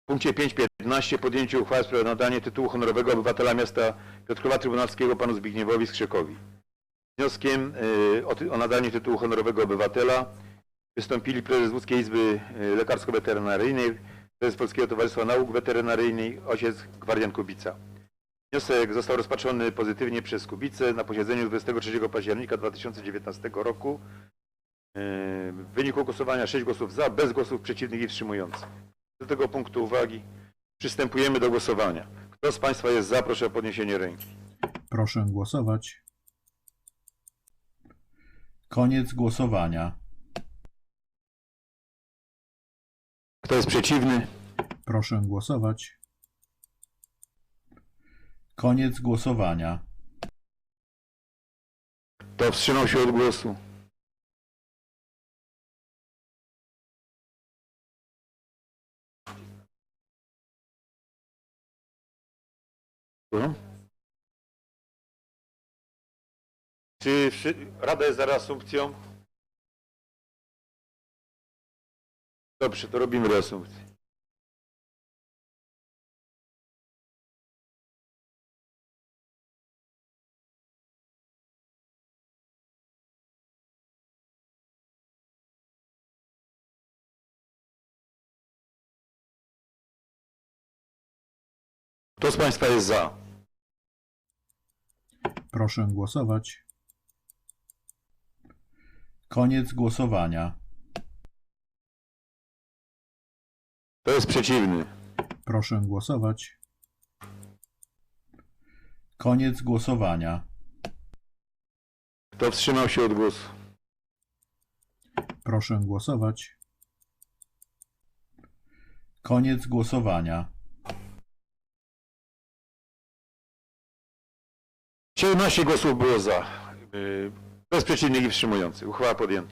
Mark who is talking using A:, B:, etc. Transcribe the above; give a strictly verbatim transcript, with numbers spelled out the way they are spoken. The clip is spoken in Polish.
A: punkcie pięć piętnaście podjęcie uchwały w sprawie nadania tytułu honorowego obywatela miasta Piotrkowa Trybunalskiego panu Zbigniewowi Skrzykowi. Z wnioskiem y, o, ty, o nadanie tytułu honorowego obywatela wystąpili prezes Łódzkiej Izby Lekarsko-Weterynaryjnej, prezes Polskiego Towarzystwa Nauk Weterynaryjnych, ojciec Gwardian Kubica. Wniosek został rozpatrzony pozytywnie przez Kubicę na posiedzeniu dwudziestego trzeciego października dwa tysiące dziewiętnastego roku. W wyniku głosowania sześć głosów za, bez głosów przeciwnych i wstrzymujących. Do tego punktu uwagi przystępujemy do głosowania. Kto z Państwa jest za, proszę o podniesienie ręki.
B: Proszę głosować. Koniec głosowania.
A: Kto jest przeciwny?
B: Proszę głosować. Koniec głosowania.
A: Kto wstrzymał się od głosu? Czy Rada jest za reasumpcją? Dobrze, to robimy reasumpcję. Kto z Państwa jest za?
B: Proszę głosować. Koniec głosowania.
A: Kto jest przeciwny?
B: Proszę głosować. Koniec głosowania.
A: Kto wstrzymał się od głosu?
B: Proszę głosować. Koniec głosowania.
A: siedemnaście głosów było za, bez przeciwnych i wstrzymujących. Uchwała podjęta.